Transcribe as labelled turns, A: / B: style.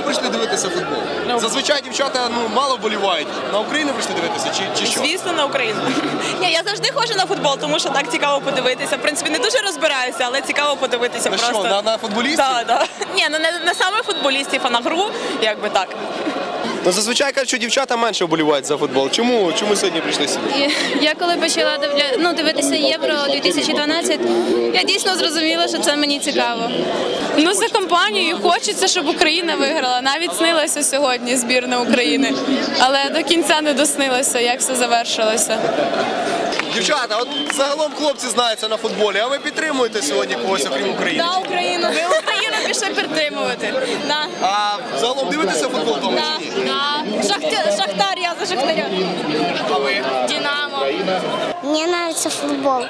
A: прийшли дивитися футбол? Зазвичай дівчата мало вболівають. На Україну прийшли дивитися чи що?
B: Звісно, на Україну. Ні, я завжди ходжу на футбол, тому що так цікаво подивитися. В принципі, не дуже розбираюся, але цікаво подивитися
A: На
B: просто.
A: що, на футболістів?
B: Так. Ні, не саме футболістів, а на гру, якби так.
A: Ну, зазвичай кажуть, що дівчата менше вболівають за футбол. Чому сьогодні прийшли сюди?
C: Я коли почала дивитися Євро 2012, я дійсно зрозуміла, що це мені цікаво.
D: Ну, за компанією хочеться, щоб Україна виграла. Навіть снилася сьогодні збірна України. Але до кінця не доснилося, як все завершилося.
A: Дівчата, от загалом хлопці знаються на футболі, а ви підтримуєте сьогодні когось, окрім України?
C: Да, Україну. Ми Україну пішли підтримувати. Да.
A: А загалом дивитеся футбол вдома чи ні?
C: Шахтар, я за Шахтаря.
A: А ви?
C: Динамо.
E: Мне нравится футбол.